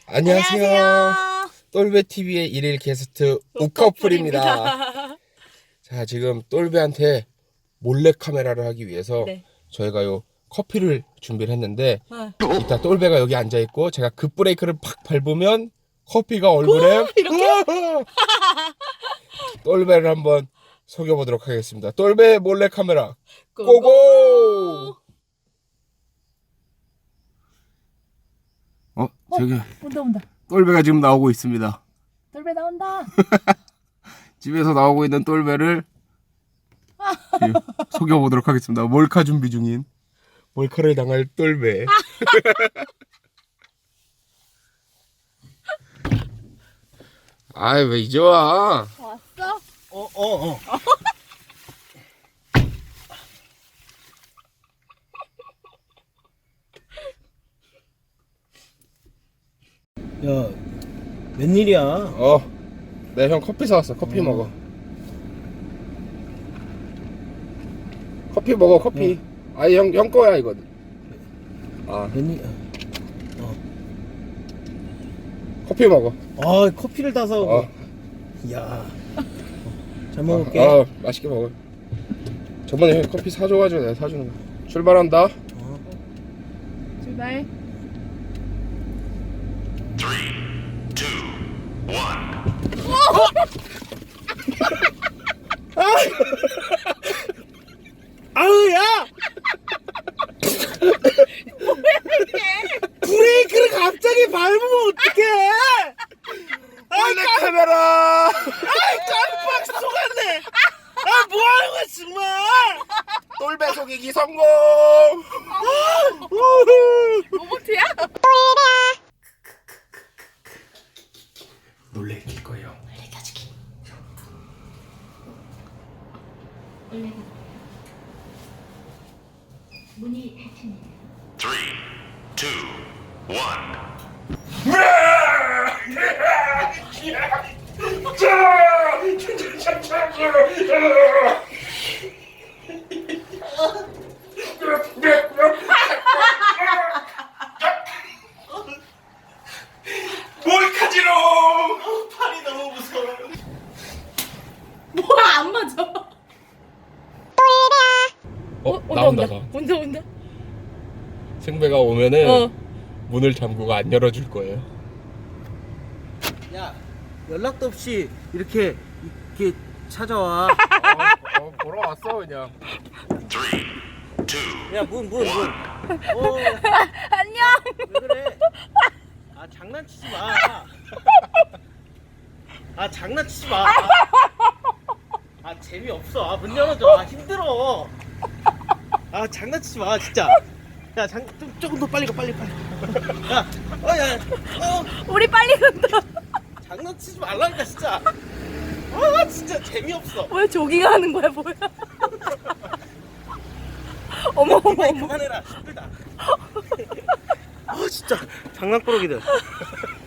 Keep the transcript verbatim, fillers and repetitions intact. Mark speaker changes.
Speaker 1: 안녕하세요.
Speaker 2: 안녕하세요.
Speaker 1: 똘베티비의 일일 게스트 우커플입니다. 자, 지금 똘베한테 몰래 카메라를 하기 위해서
Speaker 2: 네.
Speaker 1: 저희가 요 커피를 준비를 했는데
Speaker 2: 네.
Speaker 1: 이따 똘베가 여기 앉아있고 제가 급브레이크를 팍 밟으면 커피가 얼굴에
Speaker 2: 이렇게?
Speaker 1: 똘베를 한번 속여보도록 하겠습니다. 똘베 몰래 카메라
Speaker 2: 고고!
Speaker 1: 고고! 어, 저기
Speaker 2: 온다 온다.
Speaker 1: 똘베가 지금 나오고 있습니다.
Speaker 2: 돌배 나온다.
Speaker 1: 집에서 나오고 있는 똘베를 속여보도록 하겠습니다. 몰카 준비 중인 몰카를 당할 똘베. 아이, 왜 이제 와?
Speaker 2: 왔어?
Speaker 3: 어, 어, 어. 야, 웬일이야?
Speaker 1: 어, 내 형 커피 사왔어. 커피
Speaker 3: 어.
Speaker 1: 먹어. 커피 먹어, 커피. 아니, 형, 형 거야, 이거. 아,
Speaker 3: 웬일?
Speaker 1: 커피 먹어.
Speaker 3: 아, 커피를 따서.
Speaker 1: 어,
Speaker 3: 야, 잘 먹을게.
Speaker 1: 어, 어, 맛있게 먹어. 저번에 형 커피 사줘가지고 내가 사주는 거야. 출발한다.
Speaker 3: 어.
Speaker 2: 출발.
Speaker 3: 아우, 야! 브레이크를 갑자기 밟으면 어떡해!
Speaker 1: 몰래 카메라.
Speaker 3: 아이, 깜빡 속았네! 아, 뭐 하는 거야, 정말!
Speaker 1: 똘베 속이기 성공.
Speaker 2: 로봇이야?
Speaker 1: 놀래킬 거예요.
Speaker 2: 가지기. 문이 닫힙니다.
Speaker 4: Three, two, one.
Speaker 1: 몰카지롱.
Speaker 3: 팔이 너무 무서워.
Speaker 2: 뭐야 안 맞아.
Speaker 1: 어,
Speaker 2: 온다
Speaker 1: 나온다.
Speaker 2: 온다.
Speaker 1: 나.
Speaker 2: 온다 온다.
Speaker 1: 승배가 오면은
Speaker 2: 어.
Speaker 1: 문을 잠그고 안 열어줄 거예요.
Speaker 3: 야, 연락도 없이 이렇게, 이렇게 찾아와.
Speaker 1: 어, 어, 보러 왔어 그냥.
Speaker 4: Three, two.
Speaker 3: 야, 문, 문, 문. 어,
Speaker 2: 안녕.
Speaker 3: 왜 그래? 아, 장난치지 마. 아, 장난치지 마. 아, 재미없어. 아, 문 열어줘. 아, 힘들어. 아, 장난치지 마, 진짜. 야, 장, 좀, 조금 더 빨리 가, 빨리, 빨리. 야, 어, 야, 어,
Speaker 2: 우리 빨리 간다.
Speaker 3: 장난치지 말라니까, 진짜. 아, 진짜 재미없어.
Speaker 2: 왜 조깅하는 거야 뭐야? 어머 어머
Speaker 3: 빨리
Speaker 2: 어머.
Speaker 3: 그만해라. 힘들다. 아, 진짜. 장난꾸러기들.